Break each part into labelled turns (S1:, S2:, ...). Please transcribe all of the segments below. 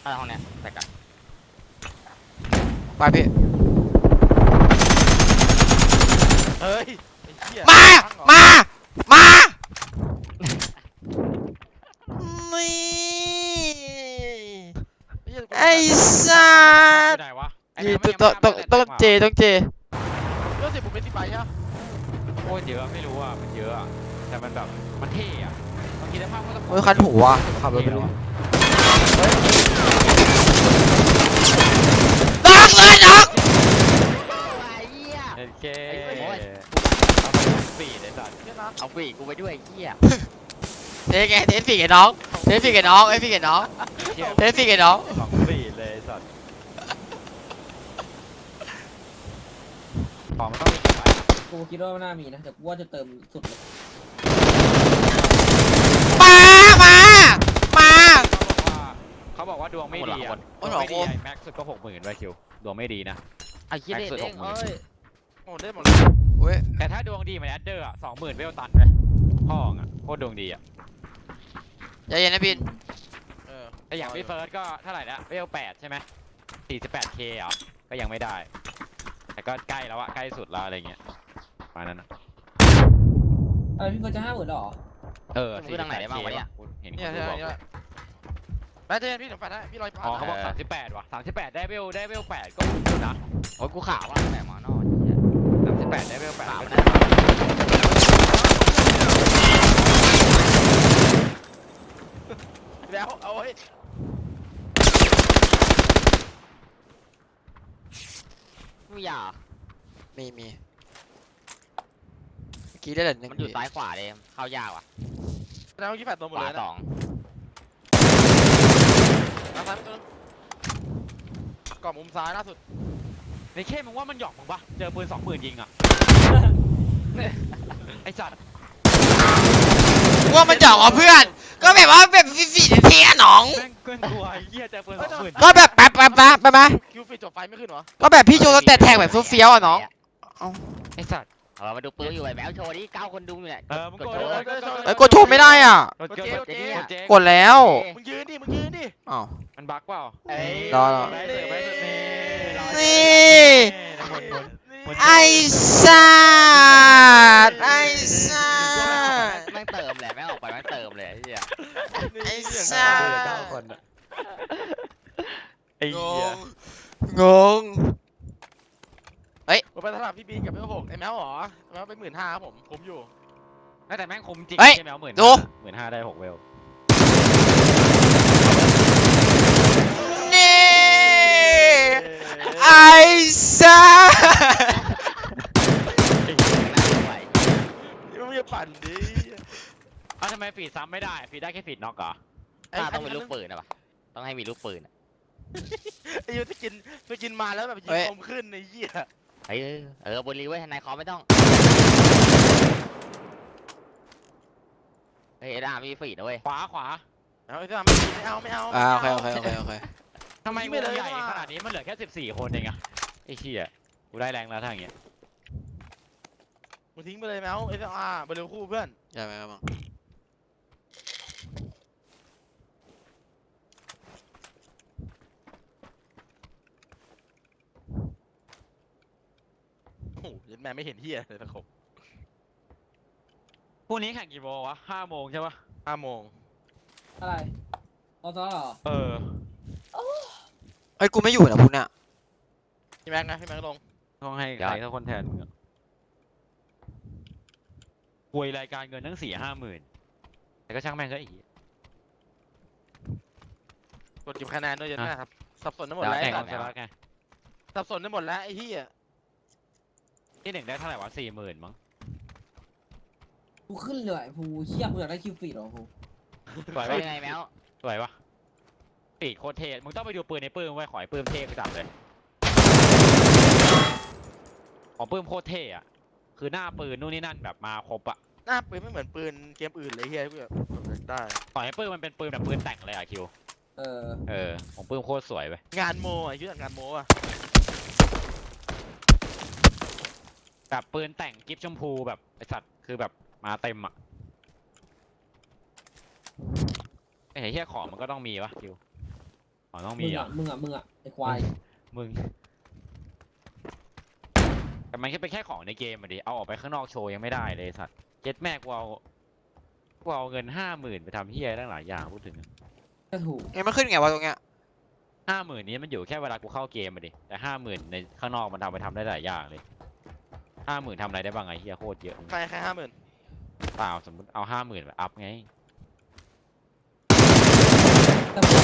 S1: ห้องเนี้ยแต่กัน
S2: ไปพี่
S3: เฮ้ย
S2: มา นี่ไอ้สัส
S4: ไหนวะ
S2: ยืนต้องเจ
S3: เรื่องสิบผมเป็นสิบใบใช่ไหม
S4: โคตรเยอะไม่รู้อ่ะมันเยอะอ่ะแต่มันแบบมันเท่อ่ะบางทีได้ภาพก็ต้อง
S2: เฮ้ยคันหูว่ะขับรถไปดูน็อกเลยน็อก
S1: ไอ้เหี้ย
S4: เอ็นเค
S1: โอ้ย
S4: เอาไปปีดไอ้สัตว์
S3: เนี่ยนะ
S1: เอาปีกกูไปด้วยไอ้เหี้ย
S2: เทสไงเทสฝีกับน้องเทสฝีกับน้องเทสฝีกับน้องเทสฝีกับน้อง
S4: สองปีดเลยไอ้สัตว์ของมันต้องมีกี่ใบ
S5: กูคิดว่าน่ามีนะแต่กูว่าจะเติมสุดเลย
S2: มา
S4: เขาบอกว่าดวงไม่ดีอ่ะดวงไม่ดีไอ้แม็กซ์สุดก็60,000ไว้คิวดวงไม่ดีนะ
S1: ไอ้เหี้ยเด็ดเองเอ้ย
S3: หมดได้หมดเลย
S2: เว้ย
S4: แต่ถ้าดวงดีเหมือนแอดเดอร์อ่ะ20,000เวลตันเลยพ่องอ่ะโคตรดวงดีอ่ะ
S2: ใจเย็นนะบิน
S4: แต่อย่างพี่เฟิร์สก็เท่าไหร่นะเวล8ใช่ไหม 48K เหรอก็ยังไม่ได้แต่ก็ใกล้แล้วอะใกล้สุดแล้วอะไรเงี้ยประมาณนั้นนะ
S5: พี่ก็จะ50,000หรอ
S4: เออ
S1: ซื้อทางไหนได้บ้างวะเนี่ย
S4: เห็น
S3: เนี่ย
S4: คุณบอก
S3: เนี่ยแม่เจนพี่ถึงแฟนให้พี่ลอยฟ้า
S4: อ๋อเขาบอก38ว่ะ38ได้เวล8ก็คุ้มอยู่นะ
S1: โอ้ยกูข่าวว่าแต่หมอนอนเหี้ย
S4: 38ได้เวล8
S1: ข่าว
S4: ก็
S1: นะ
S3: แล้วเอาไว้
S1: ไม่อยาก
S2: มีเมื่อกี้ได้เหรอหนึ่ง
S1: มันอยู่ซ้ายขวาเลยเข้ายากว่ะ
S3: แล้วเมื่อกี้แฟนตัวหม
S1: ข
S3: ด
S1: วา
S3: เลยนะ
S1: สอง
S3: ซ้ายตัวนึงกล่องมุมซ้ายล่าสุด
S4: ในเข้มึงว่ามันหยอกมึงปะเจอปืน20,000ยิงอ่ะไอ้สัตว์
S2: ว่ามันจ่อเพื่อน ก็แบบว่าแบบฝีเทียน้อง
S4: แม่งเกินกลัวไอ้เหี้ยเจอปืน20,000
S2: ก็แบบแป๊บไปไหม
S3: คิวฟิตจบไฟไม่ขึ้นเหรอ
S2: ก็แบบพี่โจแต่แทงแบบเฟี้ยวๆอ่ะน้อง
S4: ไอ้สัตว์
S1: มาดูปืนอยู่ไอ้แมวโชว์ดิ9 คนดูอยู่เนี่ย
S4: มึง
S1: ก
S4: ก
S1: ด
S4: ด
S1: โชว์
S2: ไอ้กดโชว์ไม่ได้อ่ะ
S4: กดเจ๊
S2: กดแล้ว
S3: มึงยืนดิมึงยืนดิ
S2: อ้าว
S4: มันบั๊กเปล่า
S1: เอ้ย
S2: รอ
S4: ได้เสือไปสุดนี่
S2: นี่
S4: หมุน
S2: ไอ้สัตว์ไอ้สัตว์
S1: แม่งเติมแหละแม่งออกไปแม่งเติมเลยไอ้เหี้ย
S2: ไอ้สัตว์
S4: 9 คนอะไอ้
S3: ง
S4: เหี้ย
S3: ง
S2: ง
S3: ผมไปตลาดพี่บีนกับพี่หกไอ้แมวเหรอแมวไป15,000ครับผมอยู่
S4: แต่แม่งคุ้มจริง
S2: เฮ้ย
S4: ใช่ไหมเอา15,000
S2: ดู
S4: 15,000ได้6เวล
S2: นี่ไอ้สัตว์
S3: นี่มึงอย่าปั่นดิ
S4: อ้าวทำไมฟีดซ้ำไม่ได้ฟีดได้แค่ฟีดน็อกเหรอ
S1: ต้องเป็นลูกปืนนะปะต้องให้มีลูกปืน
S3: ไอ้ยูจะกินมาแล้วแบบยิงคมขึ้นไอ้เหี้ย
S1: เฮ้ยบนรีไว้ทนายคอไม่ต้องเฮ้ยด้ามีฝีนะเว้ย
S4: ขวา
S3: เอาไอ้ที่ทำไม่เอาไม่เอา
S2: โอเค
S4: ทำไมวงใหญ่ขนาดนี้มันเหลือแค่14 คนเองอะไอ้เชี่ยกูได้แรงแล้วถ้าอย่างเงี้ย
S3: มึงทิ้งไปเลยแมวไอ้ที่ไปเร็วคู่เพื่อน
S2: ใช่ไหมครับมึง
S3: โอ้โหยันแม่ไม่เห็นเหี้ยเลยตะขบ
S4: พรุ่งนี้แข่งกี่โมงวะ5 โมงใช่ปะ
S3: 5 โมง
S5: อะไรเอาซะเหรอ
S4: เออ
S2: เฮ้ยกูไม่อยู่นะพุทธเนี่ย
S3: พี่แม็กนะพี่แม็กลง
S4: ต้องให้ใครสักคนแทนมึงอะป่วยรายการเงินทั้ง4-5 หมื่นแต่ก็ช่างแม่งก็อีก
S3: กดเก็บคะแนนด้วยยันแม่ครับสับสนได้หมด
S4: แล้ว
S3: แล้ว
S4: แข่ง
S3: ไอ้
S4: ของชนะไง
S3: สับสนได้หมดแล้วไอ้เหี้ย
S4: ที่1ได้เท่าไหร่วะ40,000มั้ง
S5: กูขึ้นเลยภูเชี่ยกูอยากได้คิวฟีดหรอภู
S4: สวย
S1: เป็
S4: ปะ
S1: นยังไงแมว
S4: สวยปะปีกโคตรเท่มึงต้องไปดูปืนในปื้มไว้ขอให้ปื้มเท่ไปจับเลยของปื้มโคตรเท่อะคือหน้าปืนนู่นนี่นั่นแบบมาครบอะ
S3: หน้าปืนไม่เหมือนปืนเกมอื่นเลยเหี้ยที่แบบได้
S4: ขอให้ปื้มมันเป็นปืนแบบปืนแต่งเลยอะคิว
S5: เออ
S4: ของปื้มโคตรสวยไป
S3: งานโมไอ้ชื่องานโมอ่ะ
S4: แบบปืนแต่งกิฟชมพูแบบไอสัตว์คือแบบมาเต็มอะไอ้เหี้ยของมันก็ต้องมีวะคิวอ๋อต้อง
S5: มึ
S4: มี
S5: ง
S4: เหร
S5: อ่ะ
S4: อ
S5: มึงอ่ะไอ้ควาย
S4: มึงแต่มันแค่เป็นแค่ของในเกมอะดิเอาออกไปข้างนอกโชว์ยังไม่ได้เลยไอ้สัตว์เจ็ดแม่กูเอาเงิน50,000ไปทำเฮียตั้งหลายอย่างพูดถึง
S5: ก็ถูก
S2: เอ้ยมันขึ้นไงวะตรงเนี้ย
S4: 50,000นี้มันอยู่แค่เวลากูเข้าเกมมาดิแต่50,000ในข้างนอกมันทำได้หลายอย่างเลย50,000ทำอะไรได้บ้างไงเฮียโคตรเยอะ
S3: ใครแค่50,000
S4: เปล่าสมมติเอา50,000แบบอัพไง
S5: แต่ผม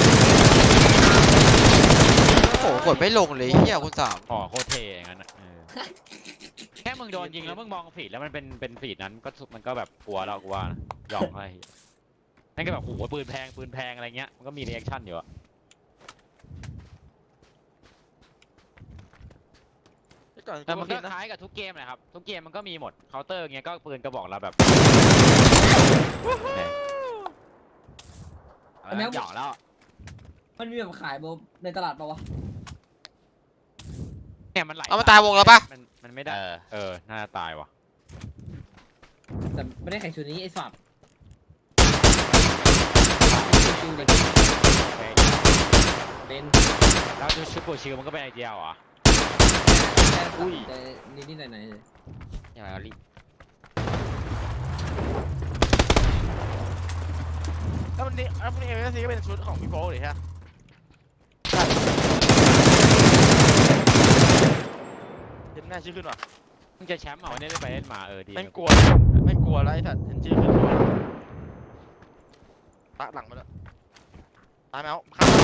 S2: โอ้โหกดไม่ลงเลยเฮียคุณสาม
S4: อ๋อโคตรเท่อย่างนั้นอะแค่มึงโดนยิงแล้วมึงมองฟีดแล้วมันเป็นฟีดนั้นก็มันก็แบบกลัวเรากูว่านะหยอกอะไรนั่นก็แบบโอ้โหปืนแพงอะไรเงี้ยมันก็มีรีแอคชั่นอยู่อะ
S3: ก่อน
S4: แต่มันก็
S3: นะ
S4: คล้ายกับทุกเกมแหละครับทุกเกมมันก็มีหมดเคาน์เตอร์เงี้ยก็ปืนกระบอกเราแบบ
S1: เอาแล้วหยอกแล้ว
S5: มันมีแบบขายในตลาดปะวะ
S4: เนี่ยมันไหล
S2: เอามาตายวงแล้วปะ
S4: มันไม่ได้น่าจะตายว่ะ
S5: แต่ไม่ได้แข่งชุดนี้ไอ้สัตว์จริงเด็กเป็น
S4: แล้วชุดโกชิลมันก็เป็นไอเดียเหรอ
S5: อุ้ยแต่นิดๆหน่อยๆเลย
S1: ยังไงเอารีบ
S3: แล้ววันนี้เอ็มเอสซีก็เป็นชุดของพี่โป๊เลยใช่ไหมเห็นหน้าชื่อขึ้นว่ะ
S4: มึงจะแชมป์เหรอเนี่ยได้ไปเล่นมาดี
S3: แม่งกลัวแม่งกลัวแล้วไอ้สัตว์เห็นชื่อขึ้นกลัวตะหลังมาแล้วตายแมวข้าม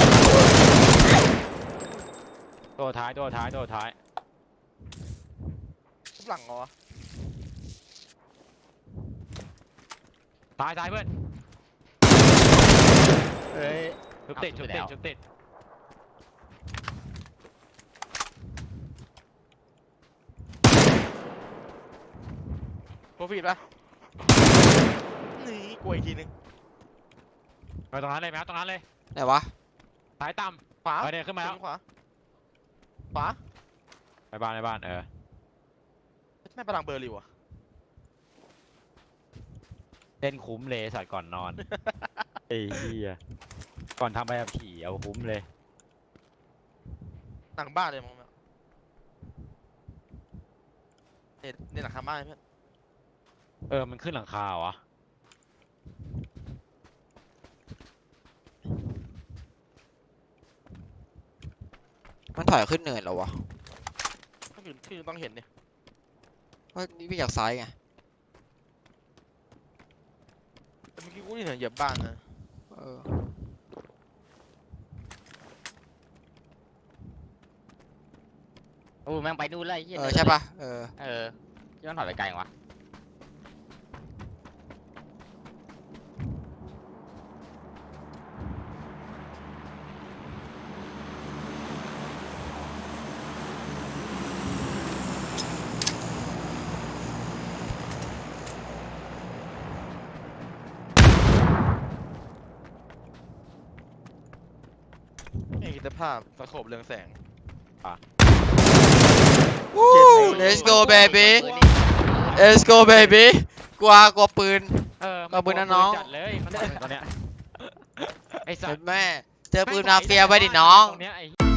S4: ตัวท้าย
S3: ทุบหลังเหรอ
S4: ตายเพื่อน
S1: เฮ้ย
S4: ชุบติด
S3: โปรฟีดปะนี่กลัวอีกทีนึง
S4: ไปตรงนั้นเลยแมวตรงนั้นเลย
S2: ไหนวะ
S4: ซ้ายต่
S3: ขวา
S4: ำเดินขึ้นมาแล้ว
S3: ขวาขวา
S4: ในบ้าน
S3: แม่พลังเบอร์ริวอะ
S4: เล่นคุ้มเลยสัตว์ก่อนนอนไอ้เหี้ยก่อนทำใบขับขี่เอาคุ้มเลย
S3: หลังบ้านเลยมองเนี่ยหลังคาบ้านเพื่อน
S4: มันขึ้นหลังคาวะ
S2: มันถอยขึ้นเนินเหรอวะ
S3: ก็คือต้องเห็นเนี่ย
S2: ว่านี่วิ่งจากซ้ายไง
S3: แต่เมื่อกี้กูนี่เห็นเหยียบบ้านนะ
S2: เออ
S1: โอ้แม่งไปนู่นเลยไอ้เหี้ย
S2: ใช่ปะเออ
S1: ย้อนถอยไปไกลจังวะ
S3: เอกภาพตะโขบเรืองแสง
S2: วู้ let's go baby let's go baby กลัวปืน ขอบคุณนะน้อง
S4: จัดเลยมันตอนเนี้ยไอ้สั
S2: เห็
S4: ต
S2: น
S4: ว์
S2: แม่ เจอปืนมาเฟียไว้ดิน้อง
S4: ตรงเนี้ยไอ้